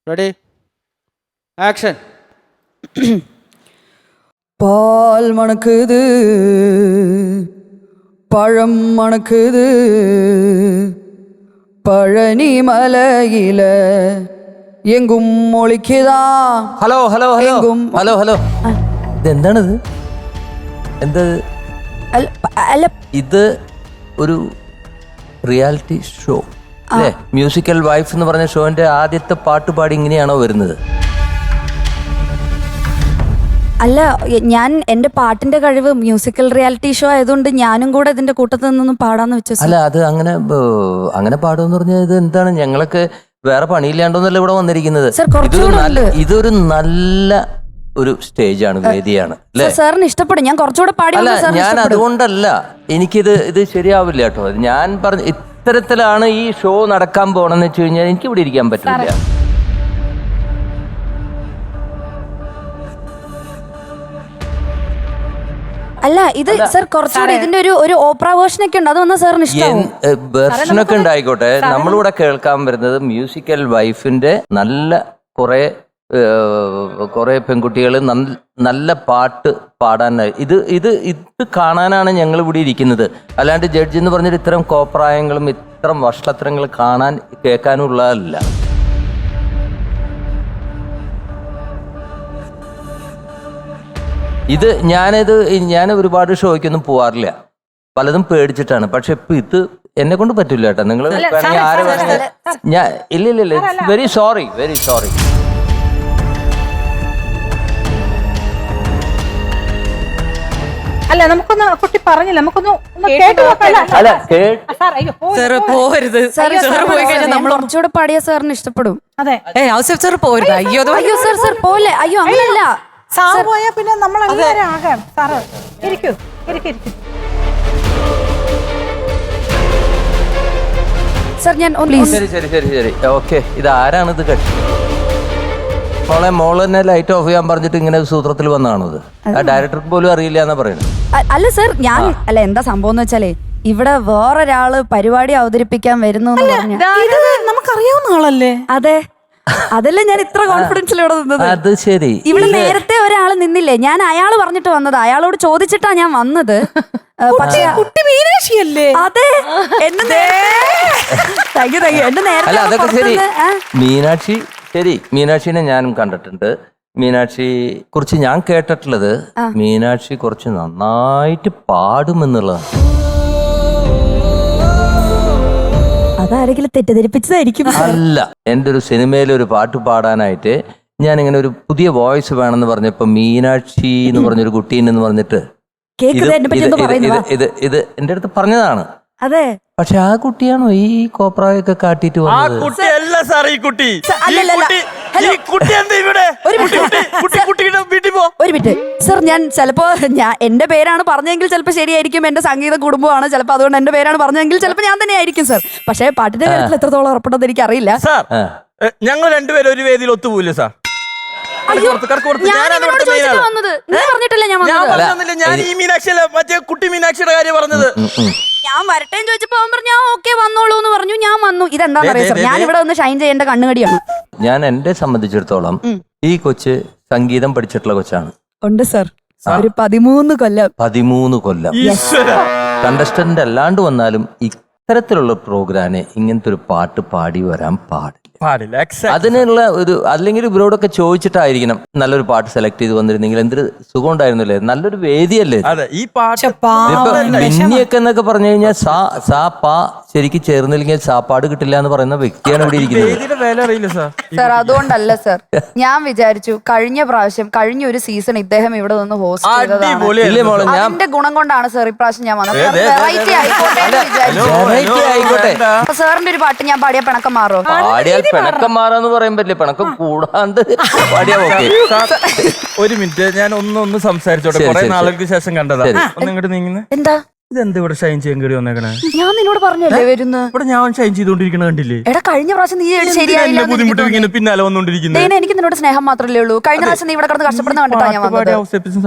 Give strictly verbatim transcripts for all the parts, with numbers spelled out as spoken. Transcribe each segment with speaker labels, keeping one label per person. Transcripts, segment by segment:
Speaker 1: Ready action.
Speaker 2: பால் மணக்குது, பழம் மணக்குது, பழனி மலையில എങ്കും ഒളിക്കതാ.
Speaker 3: ഹലോ ഹലോ ഹലോ
Speaker 2: എങ്കും
Speaker 3: ഹലോ ഹലോ ഇതെന്താണിത്? എന്താ
Speaker 2: അല്ല,
Speaker 3: ഇത്? ഒരു റിയാലിറ്റി ഷോ അല്ലേ? മ്യൂസിക്കൽ വൈഫ് എന്ന് പറഞ്ഞ ഷോന്റെ ആദ്യത്തെ പാട്ട് പാടി ഇങ്ങനെയാണോ വരുന്നത്?
Speaker 2: അല്ല, ഞാൻ എന്റെ പാട്ടിന്റെ കഴിവ് മ്യൂസിക്കൽ റിയാലിറ്റി ഷോ ആയതുകൊണ്ട് ഞാനും കൂടെ ഇതിന്റെ കൂട്ടത്തിൽ നിന്നൊന്നും പാടാന്ന് വെച്ചു.
Speaker 3: അല്ല, അത് അങ്ങനെ അങ്ങനെ പാടുമെന്ന് പറഞ്ഞാൽ ഇത് എന്താണ്? ഞങ്ങളൊക്കെ വേറെ പണിയില്ലാണ്ടോന്നല്ല ഇവിടെ വന്നിരിക്കുന്നത്. ഇതൊരു നല്ല ഇതൊരു നല്ല ഒരു സ്റ്റേജാണ്, വേദിയാണ് അല്ലേ?
Speaker 2: സാറിന് ഇഷ്ടപ്പെടും. ഞാൻ കുറച്ചുകൂടെ പാടി.
Speaker 3: അല്ല, ഞാൻ അതുകൊണ്ടല്ല, എനിക്കിത് ഇത് ശരിയാവില്ല കേട്ടോ. ഞാൻ പറഞ്ഞ ഇത്തരത്തിലാണ് ഈ ഷോ നടക്കാൻ പോണെന്ന് വെച്ച് കഴിഞ്ഞാൽ എനിക്ക് ഇവിടെ ഇരിക്കാൻ പറ്റില്ല.
Speaker 2: അല്ല, ഇത് സർ കുറച്ചുകൂടെ ഇതിന്റെ ഒരു ഒരു ഓപ്പറ വേർഷൻ ഒക്കെ ഉണ്ട്. അത് വന്നാൽ സാറിന് ഇഷ്ടം.
Speaker 3: വെർഷനൊക്കെ ഉണ്ടായിക്കോട്ടെ, നമ്മളിവിടെ കേൾക്കാൻ വരുന്നത് മ്യൂസിക്കൽ വൈഫിന്റെ നല്ല കുറെ കുറെ പെൺകുട്ടികൾ നല്ല പാട്ട് പാടാനായി ഇത് ഇത് ഇത് കാണാനാണ് ഞങ്ങൾ ഇവിടെ ഇരിക്കുന്നത്. അല്ലാണ്ട് ജഡ്ജ് എന്ന് പറഞ്ഞിട്ട് ഇത്തരം കോപ്രായങ്ങളും ഇത്തരം വഷളത്തരങ്ങൾ കാണാൻ കേൾക്കാനുള്ളതല്ല. ഇത് ഞാനിത് ഞാൻ ഒരുപാട് ഷോയ്ക്കൊന്നും പോവാറില്ല, പലതും പേടിച്ചിട്ടാണ്. പക്ഷെ ഇപ്പൊ ഇത് എന്നെ കൊണ്ട് പറ്റില്ല കേട്ടോ. നിങ്ങൾ ആരെ വേണമെങ്കിൽ ഞാൻ ഇല്ല ഇല്ല ഇല്ല വെരി സോറി വെരി സോറി.
Speaker 4: അല്ല, നമുക്കൊന്ന് കുട്ടി പറഞ്ഞില്ല, നമുക്കൊന്ന് കേട്ടു നോക്കാം.
Speaker 3: അല്ല,
Speaker 2: പോരുത്. നമ്മൾ കുറച്ചുകൂടെ പാടിയ സാറിന് ഇഷ്ടപ്പെടും.
Speaker 4: അതെ,
Speaker 2: സാർ പോരുത്. അയ്യോ അയ്യോ സാർ സാർ പോലെ. അയ്യോ അങ്ങനെയല്ല,
Speaker 4: സാർ പോയാ പിന്നെ നമ്മൾ എല്ലാവരും ആകാം. സാറ് ഇരിക്കൂ, ഇരിക്കൂ, ഇരിക്കൂ.
Speaker 2: സാർ ഞാൻ
Speaker 3: ശരി ശരി ശരി ശരി ഓക്കെ. ഇത് ആരാണിത്? കക്ഷി മോളെ മോള് തന്നെ ലൈറ്റ് ഓഫ് ചെയ്യാൻ പറഞ്ഞിട്ട് ഇങ്ങനെ സൂത്രത്തിൽ വന്നതാണോ ഇത്? ആ ഡയറക്ടർക്ക് പോലും അറിയില്ല എന്നാ പറയുന്നത്.
Speaker 2: അല്ല സാർ, ഞാൻ അല്ല എന്താ സംഭവം എന്ന് വെച്ചാലേ ഇവിടെ വേറൊരാള് പരിപാടി അവതരിപ്പിക്കാൻ വരുന്നു എന്ന് പറഞ്ഞ
Speaker 4: നമുക്കറിയാവുന്ന ആളല്ലേ?
Speaker 2: അതെ, അതല്ലേ ഞാൻ ഇത്ര കോൺഫിഡൻസിൽ ഇവിടെ നിന്നത്.
Speaker 3: അത് ശരി.
Speaker 2: ഇവിടെ നേരത്തെ ഒരാള് നിന്നില്ലേ, ഞാൻ അയാള് പറഞ്ഞിട്ട് വന്നത്. അയാളോട് ചോദിച്ചിട്ടാ ഞാൻ വന്നത്. പക്ഷേ
Speaker 4: കുട്ടി മീനാക്ഷിയല്ലേ?
Speaker 2: അതെ, എന്നെ താങ്ക് യു താങ്ക് യു. എന്നെ
Speaker 3: അല്ല, അതൊക്കെ ശരി.
Speaker 2: നേരത്തെ
Speaker 3: മീനാക്ഷി ശരി, മീനാക്ഷിനെ ഞാനും കണ്ടിട്ടുണ്ട്. മീനാക്ഷി കുറിച്ച് ഞാൻ കേട്ടിട്ടുള്ളത് മീനാക്ഷി കുറച്ച് നന്നായിട്ട് പാടുമെന്നുള്ളതാണ്.
Speaker 2: അതാരെങ്കിലും തെറ്റിദ്ധരിപ്പിച്ചതായിരിക്കും.
Speaker 3: അല്ല, എൻ്റെ ഒരു സിനിമയിൽ ഒരു പാട്ട് പാടാനായിട്ട് ഞാൻ ഇങ്ങനെ ഒരു പുതിയ വോയിസ് വേണമെന്ന് പറഞ്ഞപ്പോ മീനാക്ഷി എന്ന് പറഞ്ഞൊരു കുട്ടീനെന്ന് പറഞ്ഞിട്ട് ഇത് ഇത് ഇത് എന്റെ അടുത്ത് പറഞ്ഞതാണ്.
Speaker 2: അതെ,
Speaker 3: പക്ഷെ ആ കുട്ടിയാണോ ഈ കോപ്രായൊക്കെ കാട്ടിട്ട് വന്നത്?
Speaker 2: ഒരു മിനിറ്റ് സർ, ഞാൻ ചിലപ്പോ ഞാൻ എന്റെ പേരാണ് പറഞ്ഞെങ്കിൽ ചിലപ്പോ ശരിയായിരിക്കും. എന്റെ സംഗീത കുടുംബമാണ് ചിലപ്പോ, അതുകൊണ്ട് എന്റെ പേരാണ് പറഞ്ഞെങ്കിൽ ചിലപ്പോ ഞാൻ തന്നെ ആയിരിക്കും സർ. പക്ഷെ പാട്ടിന്റെ കാര്യത്തിൽ എത്രത്തോളം ഉറപ്പുണ്ടെന്ന് എനിക്ക് അറിയില്ല.
Speaker 1: ഞങ്ങൾ രണ്ടുപേരും ഒരു വേദിയിൽ ഒത്തുപോയില്ലേ സാർ? ഞാൻ ഈ മീനാക്ഷിയല്ല, മറ്റേ കുട്ടി മീനാക്ഷിയുടെ കാര്യം പറഞ്ഞത്.
Speaker 2: ഞാൻ വരട്ടെ ചോദിച്ചപ്പോ അവൻ പറഞ്ഞു ഓക്കെ വന്നോളൂ എന്ന് പറഞ്ഞു. ഞാൻ വന്നു. ഇതെന്താ പറയാ സർ, ഞാൻ ഇവിടെ ഒന്ന് ഷൈൻ ചെയ്യേണ്ട കണ്ണുകടിയാണ്.
Speaker 3: ഞാൻ എന്നെ സംബന്ധിച്ചിടത്തോളം ഈ കൊച്ച് സംഗീതം പഠിച്ചിട്ടുള്ള കൊച്ചാണ്.
Speaker 2: ഉണ്ട് സർ, ഒരു പതിമൂന്ന് കൊല്ലം.
Speaker 3: പതിമൂന്ന് കൊല്ലം കണ്ടസ്റ്റന്റ് അല്ലാണ്ട് വന്നാലും ഇത്തരത്തിലുള്ള പ്രോഗ്രാമിന് ഇങ്ങനത്തെ ഒരു പാട്ട് പാടി വരാൻ പാടില്ല. അതിനുള്ള ഒരു അല്ലെങ്കിൽ ഇവരോടൊക്കെ ചോദിച്ചിട്ടായിരിക്കണം നല്ലൊരു പാട്ട് സെലക്ട് ചെയ്ത് വന്നിരുന്നെങ്കിൽ എന്തൊരു സുഖം ഉണ്ടായിരുന്നില്ലേ? നല്ലൊരു വേദിയല്ലേ
Speaker 1: ഈ പാട്ട്.
Speaker 3: മിന്നിയൊക്കെ എന്നൊക്കെ പറഞ്ഞു കഴിഞ്ഞാൽ സാ സാ പാ ശരിക്കും ചേർന്നില്ലെങ്കിൽ സാപ്പാട് കിട്ടില്ല എന്ന് പറയുന്ന വ്യക്തിയാണ് ഇവിടെ ഇരിക്കുന്നത്.
Speaker 2: സാർ അതുകൊണ്ടല്ല സർ, ഞാൻ വിചാരിച്ചു കഴിഞ്ഞ പ്രാവശ്യം കഴിഞ്ഞ ഒരു സീസൺ ഇദ്ദേഹം ഇവിടെ നിന്ന് ഹോസ്റ്റ് ചെയ്തതാണ്. അതിന്റെ ഗുണം കൊണ്ടാണ് സർ ഇപ്രാവശ്യം ഞാൻ വന്നത്. വെറൈറ്റി ആയിക്കോട്ടെ. സാറിന്റെ ഒരു പാട്ട് ഞാൻ പാടിയ പിണക്കം മാറുമോ?
Speaker 3: പാടിയാൽ പിണക്കം മാറാന്ന് പറയാൻ പറ്റില്ല, പിണക്കം കൂടാണ്ട് പാടിയാ ഓക്കെ.
Speaker 1: ഒരു മിനിറ്റ്, ഞാൻ ഒന്ന് ഒന്ന് സംസാരിച്ചോട്ടെ. കുറെ നാളുകൾക്ക് ശേഷം കണ്ടതാ. ഒന്ന് ഇങ്ങോട്ട് നീങ്ങുന്നത്
Speaker 2: എന്താ?
Speaker 1: ഇതെന്താ ഇവിടെ ഷൈൻ ചെയ്യാൻ കയറി വന്നേക്കണേ?
Speaker 2: ഞാൻ നിന്നോട് പറഞ്ഞല്ലേ വരുന്നു.
Speaker 1: ഇവിടെ ഞാൻ ഷൈൻ ചെയ്തോണ്ടിരിക്കണ കണ്ടില്ലേ?
Speaker 2: എടാ കഴിഞ്ഞ പ്രാവശ്യം നീ ശരിയായില്ല
Speaker 1: ബുദ്ധിമുട്ട് പിന്നാലെ വന്നോണ്ടിരിക്കുന്നത്.
Speaker 2: എനിക്ക് നിന്നോട് സ്നേഹം മാത്രമല്ലേ ഉള്ളൂ. കഴിഞ്ഞ പ്രാവശ്യം നീ ഇവിടെ കിടന്ന് കഷ്ടപ്പെടുന്ന കണ്ടിട്ടാ ഞാൻ വന്നത്.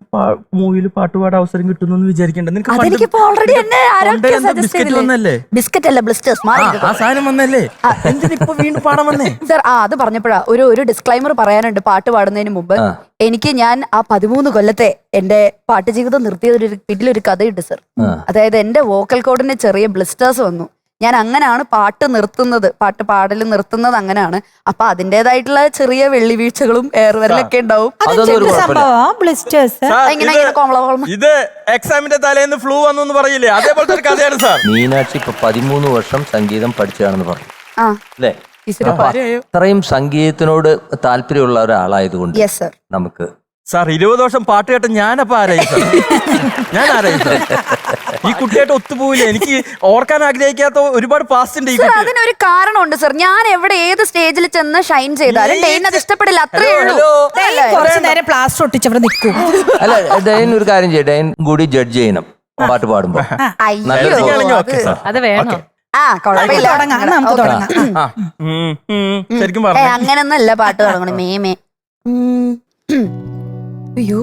Speaker 1: മൂവിയിൽ പാട്ടുപാടാൻ അവസരം കിട്ടുന്നു വിചാരിക്കണ്ട. നിനക്ക്
Speaker 2: അതെനിക്കിപ്പോ ഓൾറെഡി എന്നെ ആരൊക്കെ സജസ്റ്റ്
Speaker 1: ബിസ്ക്കറ്റ് വന്നല്ലേ?
Speaker 2: ബിസ്ക്കറ്റ് അല്ല ബ്ലിസ്റ്റേഴ്സ്.
Speaker 1: ആ സാധനം വന്നല്ലേ? എന്തിനിപ്പോ വീണ്ടും പാടാൻ വന്നേ?
Speaker 2: സർ ആ അത് പറഞ്ഞപ്പോഴാ ഒരു ഒരു ഡിസ്ക്ലൈമർ പറയാനുണ്ട്. പാട്ട് പാടുന്നതിന് മുമ്പ് എനിക്ക് ഞാൻ ആ പതിമൂന്ന് കൊല്ലത്തെ എന്റെ പാട്ട് ജീവിതം നിർത്തിയതൊരു വീട്ടിലൊരു കഥയുണ്ട് സർ. അതായത് എന്റെ വോക്കൽ കോഡിന് ചെറിയ ബ്ലിസ്റ്റേഴ്സ് വന്നു. ഞാൻ അങ്ങനെയാണ് പാട്ട് നിർത്തുന്നത്, പാട്ട് പാടൽ നിർത്തുന്നത് അങ്ങനെയാണ്. അപ്പൊ അതിന്റേതായിട്ടുള്ള ചെറിയ വെള്ളി വീഴ്ചകളും ഏറുവരലൊക്കെ ഉണ്ടാവും.
Speaker 4: സംഭവം ബ്ലിസ്റ്റേഴ്സ്
Speaker 2: ഇങ്ങനെ ഇങ്ങനെ കോമള കോമള.
Speaker 1: ഇത് എക്സാമിന്റെ തലേന്ന് ഫ്ലൂ വന്നു എന്ന് പറയില്ലേ, അതേപോലത്തെ ഒരു കഥയാണ് സാർ.
Speaker 3: മീനാക്ഷി ഇപ്പൊ പതിമൂന്ന് വർഷം സംഗീതം പഠിച്ചതാണെന്ന് പറഞ്ഞു
Speaker 2: ആ
Speaker 3: അല്ലേ?
Speaker 2: ഈശ്വര
Speaker 3: അപ്പൊ അത്രയും സംഗീതത്തിനോട് താല്പര്യമുള്ള ഒരാളായതുകൊണ്ട്
Speaker 2: യെസ് സർ.
Speaker 3: നമുക്ക്
Speaker 1: സാർ ഇരുപത് വർഷം പാട്ട് കേട്ട ഞാനപ്പോ ആരായി സാർ? ഞാൻ ആരായി സാർ? ഈ കുട്ടിയായിട്ട് ഒത്തുപോയില്ല. എനിക്ക് ഓർക്കാൻ ആഗ്രഹിക്കാത്ത ഒരുപാട് പാസ്റ്റ് ഉണ്ട് ഈ
Speaker 2: സർ
Speaker 1: കുട്ടി.
Speaker 2: അതിനൊരു കാരണമുണ്ട് സർ. ഞാൻ എവിടെ ഏത് സ്റ്റേജിൽ ചെന്ന് ഷൈൻ ചെയ്താലും ഡെയിൻ അത് ഇഷ്ടപ്പെടില്ല, അത്രേ ഉള്ളൂ.
Speaker 4: കുറച്ചു നേരം പ്ലാസ്റ്റർ ഒട്ടിച്ചവിടെ നിൽക്കും.
Speaker 3: അല്ല ഡൈൻ ഒരു കാര്യം ചെയ്യും, ഡൈൻ കൂടി ജഡ്ജ് ചെയ്യണം പാട്ട് പാടുമ്പോ.
Speaker 2: അയ്യോ
Speaker 1: ഓക്കെ സാർ.
Speaker 5: അത് വേണം.
Speaker 2: ആ കുഴപ്പമില്ല,
Speaker 4: തുടങ്ങാം നമുക്ക് തുടങ്ങാം.
Speaker 1: ആ, ഉം, ഉം, ശരിക്കും
Speaker 2: ഏ
Speaker 1: പറഞ്ഞു.
Speaker 2: അങ്ങനൊന്നല്ല പാട്ട് തുടങ്ങണം. മേമേ ഉം. അയ്യോ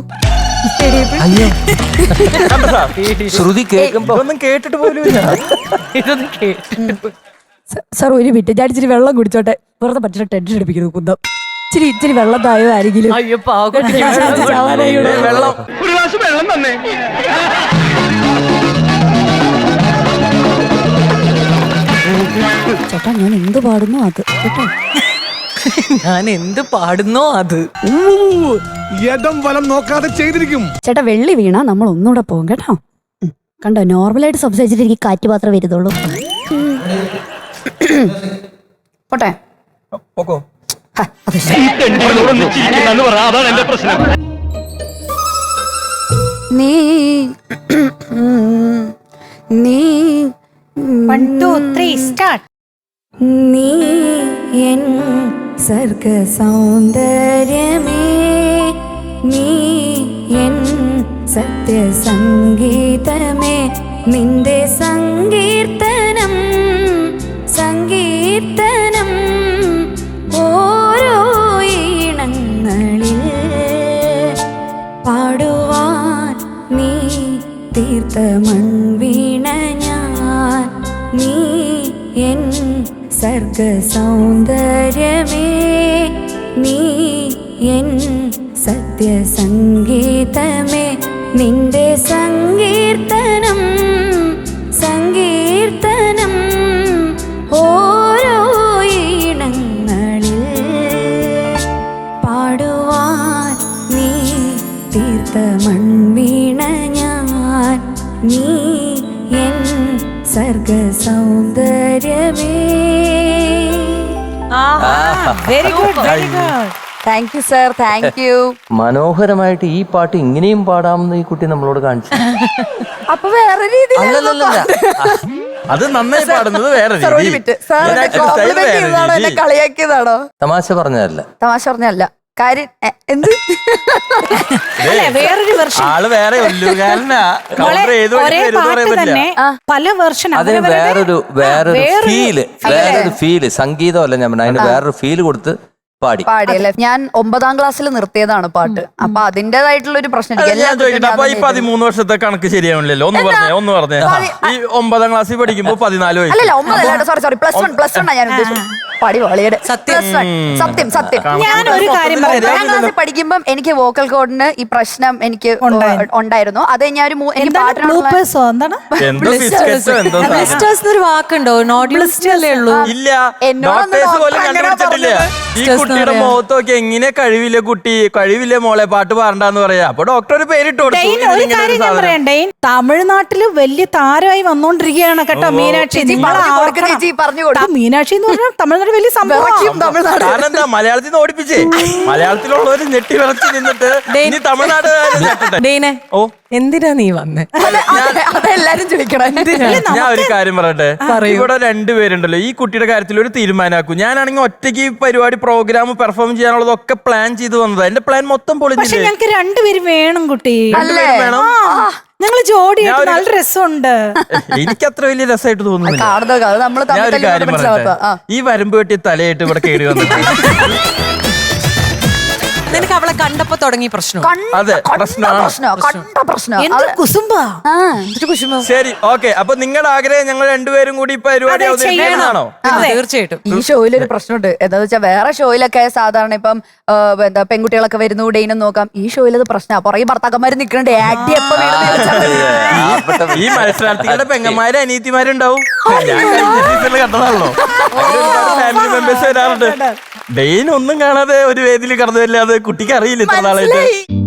Speaker 1: കണ്ടോ സാർ?
Speaker 3: ശ്രുതി കേൾക്കുമ്പോ
Speaker 1: ഇതൊന്നും കേട്ടിട്ട് പോലും ഇല്ല.
Speaker 5: ഇതൊന്നും കേട്ടു.
Speaker 2: സാർ ഒരു മിനിറ്റ്, ഞാൻ ഇച്ചിരി വെള്ളം കുടിച്ചോട്ടെ. വെറുതെ പറ്റില്ല ടെൻഷൻ അടിപ്പിക്കുന്നു കുന്തം. ഇച്ചിരി ഇച്ചിരി വെള്ളം തായോ ആരെങ്കിലും.
Speaker 5: അയ്യോ പാവം.
Speaker 1: വെള്ളം
Speaker 2: ചേട്ടാ ഞാൻ എന്ത് പാടുന്നു അത് കേട്ടോ.
Speaker 5: ഞാൻ എന്ത് പാടുന്നോ അത്.
Speaker 6: ഇടം വലം നോക്കാതെ ചെയ്തിരിക്കും.
Speaker 2: ചേട്ടാ വെള്ളി വീണാ നമ്മൾ ഒന്നുകൂടെ പോകും കേട്ടോ. ഉം. കണ്ടോ നോർമലായിട്ട് സംസാരിച്ചിട്ട് എനിക്ക് കാറ്റ് മാത്രമേ വരുന്നുള്ളൂ. പോട്ടെ
Speaker 1: പോക്കോ.
Speaker 2: ഹ, അത് ശരി. നീ ഉം, നീ
Speaker 4: വൺ ടു ത്രീ സ്റ്റാർട്ട്.
Speaker 2: നീ എൻ സർഗ സൗന്ദര്യമേ, നീ എൻ സത്യസംഗീതമേ, നിന്റെ സങ്കീർത്തനം സങ്കീർത്തനം ഓരോ ഈണങ്ങളിൽ പാടുവാൻ നീ തീർത്ത മൺവീണ ഞാൻ. നീ എൻ സർഗ സൗന്ദര്യമേ, നീ എൻ സത്യസംഗീതമേ, നിന്റെ സങ്കീർത്തനം സങ്കീർത്തനം ഓരോ ഈണങ്ങളിൽ പാടുവാൻ നീ തീർത്ത മൺവീണ ഞാൻ. നീ എൻ സർഗ സൗന്ദര്യമേ.
Speaker 4: Very good very good.
Speaker 2: Thank you sir, thank you.
Speaker 3: മനോഹരമായിട്ട് ഈ പാട്ട് ഇങ്ങനെയും പാടാമെന്ന് ഈ കുട്ടി നമ്മളോട് കാണിച്ചു.
Speaker 2: അപ്പൊ വേറെ രീതിയിൽ
Speaker 3: അല്ലല്ലല്ല
Speaker 1: അത് നന്നായി പാടുന്നത് വേറെ രീതിയിൽ.
Speaker 2: എന്നെ കളിയാക്കിയതാണോ?
Speaker 3: തമാശ പറഞ്ഞതല്ല.
Speaker 2: തമാശ പറഞ്ഞല്ല കാര്യം. എ, എന്ത്
Speaker 4: വേറൊരു വെർഷൻ
Speaker 1: ആള് വേറെ ഉല്ലുകാരനാ.
Speaker 4: ഒരേ പാട്ട് തന്നെ പല വെർഷൻ.
Speaker 3: അതിന് വേറൊരു വേറൊരു ഫീല് വേറൊരു ഫീല് സംഗീതമല്ല ഞാൻ പറഞ്ഞ, അതിന് വേറൊരു ഫീല് കൊടുത്ത് പാടി
Speaker 2: പാടിയല്ലേ. ഞാൻ ഒമ്പതാം ക്ലാസ്സിൽ നിർത്തിയതാണ് പാട്ട്. അപ്പൊ അതിന്റേതായിട്ടുള്ള ഒരു പ്രശ്നം എനിക്ക് എല്ലാ
Speaker 1: ഞാൻ ചോദിക്കട്ടെ, അപ്പൊ ഈ പതിമൂന്ന് വർഷത്തെ കണക്ക് ശരിയാവില്ലല്ലോ? ഒന്ന് പറഞ്ഞേ ഒന്ന് പറഞ്ഞേ. ഈ ഒമ്പതാം ക്ലാസ്സിൽ പഠിക്കുമ്പോ പതിനാല് വയസ്സ്.
Speaker 2: അല്ലല്ല ഒമ്പതല്ല, sorry sorry plus one plus one ഞാൻ ഉദ്ദേശിച്ചത്. പടി വാളിയുടെ പ്ലസ് വൺ. സത്യം സത്യം.
Speaker 4: ഞാൻ ഒരു കാര്യം
Speaker 2: ഒമ്പതാം ക്ലാസ്സിൽ പഠിക്കുമ്പം എനിക്ക് വോക്കൽ കോഡിന് ഈ പ്രശ്നം എനിക്ക് ഉണ്ടായിരുന്നു. അത് ഞാൻ ഒരു മൂ- എനിക്ക് പാട്ടിനുള്ള
Speaker 4: ബ്ലൂപ്പേഴ്സോ എന്താണ്?
Speaker 1: എന്തോ ബിസ്ക്കറ്റോ എന്തോ സാധനം.
Speaker 5: ബ്ലിസ്റ്റേഴ്സ് എന്നൊരു വാക്കുണ്ടോ? നോട്ട് ബ്ലിസ്റ്റേഴ്സേ ഉള്ളൂ.
Speaker 1: ഇല്ല,
Speaker 2: എന്നോടൊന്നും
Speaker 1: ഡോക്ടേഴ്സ് പോലും
Speaker 2: ഡോക്ടർ അങ്ങനെ
Speaker 1: കണ്ടുപിടിച്ചിട്ടില്ല. ഈ കുട്ടിയുടെ മുഖത്ത് നോക്കി എങ്ങനെ കഴിവില്ല കുട്ടി, കഴിവില്ല മോളെ, പാട്ട് പാടണ്ടെന്ന് പറയാ. അപ്പൊ ഡോക്ടർ ഒരു പേരിട്ട് കൊടുത്തു.
Speaker 4: ഡെയിൻ, ഒരു കാര്യം ഞാൻ പറയാം, ഡെയിൻ തമിഴ്നാട്ടില് വലിയ താരമായി വന്നോണ്ടിരിക്കുകയാണ് കേട്ടോ മീനാക്ഷി. നിങ്ങൾ
Speaker 2: ചേച്ചി പറഞ്ഞു കൊടുക്കും.
Speaker 4: മീനാക്ഷി എന്ന് പറഞ്ഞാൽ തമിഴ്നാട് വലിയ സംഭവം.
Speaker 2: തമിഴ്നാട്
Speaker 1: കാരണം എന്താ, മലയാളത്തിൽ നിന്ന് ഓടിപ്പിച്ചേ. മലയാളത്തിലുള്ളവര് ഞെട്ടി വിറച്ച് നിന്നിട്ട് ഇനി തമിഴ്നാട്
Speaker 5: ഡെയ്നെ,
Speaker 1: ഓ
Speaker 5: എന്തിനാ നീ വന്നേ?
Speaker 2: അതെല്ലാരും ചോദിക്കണം.
Speaker 1: ഞാൻ ഒരു കാര്യം പറയട്ടെ, ഇവിടെ രണ്ടുപേരുണ്ടല്ലോ, ഈ കുട്ടിയുടെ കാര്യത്തിൽ ഒരു തീരുമാനമാക്കും. ഞാനാണെങ്കിൽ ഒറ്റയ്ക്ക് ഈ പരിപാടി പ്രോഗ്രാം പെർഫോം ചെയ്യാനുള്ളതൊക്കെ പ്ലാൻ ചെയ്ത് വന്നത്. എന്റെ പ്ലാൻ മൊത്തം
Speaker 4: പക്ഷെ
Speaker 1: പൊളിഞ്ഞില്ലേ?
Speaker 4: ഞങ്ങക്ക് രണ്ടുപേരും വേണം കുട്ടി.
Speaker 2: അല്ലേ?
Speaker 1: വേണം.
Speaker 4: ഞങ്ങള് ജോഡിയായിട്ട് നല്ല രസമുണ്ട്.
Speaker 1: എനിക്ക് അത്ര വലിയ രസമായിട്ട് തോന്നുന്നില്ല.
Speaker 2: കാണുന്നത് അത് നമ്മള്
Speaker 1: ഞാൻ ഒരു കാര്യം പറയട്ടെ, ഈ വരമ്പ് വെട്ടി തലയായിട്ട് ഇവിടെ കയറി വന്നിട്ട്
Speaker 5: നിനക്ക് അവളെ കണ്ടപ്പോ തുടങ്ങി പ്രശ്നം
Speaker 2: കണ്ട-
Speaker 1: അതെ,
Speaker 2: കണ്ട
Speaker 1: പ്രശ്നമാണ്.
Speaker 2: പ്രശ്നം കണ്ട പ്രശ്നം
Speaker 4: എന്ത്
Speaker 2: അത്-
Speaker 4: കുസുമ്പാ.
Speaker 2: ആ.
Speaker 1: ശരി, ഓക്കെ. അപ്പൊ നിങ്ങളുടെ ആഗ്രഹം ഞങ്ങൾ രണ്ടുപേരും കൂടി ഈ പരിപാടി
Speaker 4: അതെ,
Speaker 1: അവതരിപ്പിക്കണമെന്നാണോ?
Speaker 5: പിന്നെ തീർച്ചയായിട്ടും
Speaker 2: ഈ ഷോയിലൊരു പ്രശ്നമുണ്ട് എന്താന്ന് വെച്ചാൽ വേറെ ഷോയിലൊക്കെ സാധാരണ ഇപ്പം ആ, എന്താ പെൺകുട്ടികളൊക്കെ വരുന്നു ഡെയിനും നോക്കാം. ഈ ഷോയിൽ അത് പ്രശ്നമാണ്. പുറകെ ഭർത്താക്കന്മാര് നിൽക്കുന്നുണ്ട് ആക്ടി എപ്പോ വീണെന്ന് ചോദിച്ചാൽ മതി.
Speaker 1: ഈ മത്സരാർത്ഥികളുടെ പെങ്ങന്മാരും അനിയത്തിമാരുണ്ടാവും. ഞാൻ കഴിഞ്ഞ സീസണിൽ കണ്ടതാണല്ലോ. അതിൽ ഒരുപാട് ഫാമിലി മെമ്പേഴ്സ് വരാറുണ്ട്. ഡെയിൻ ഒന്നും കാണാതെ ഒരു വേദിയിൽ കടന്നു വരില്ലാതെ കുട്ടിക്ക് അറിയില്ല ഇത്ര നാളായിട്ട്.
Speaker 2: മനസ്സിലായി.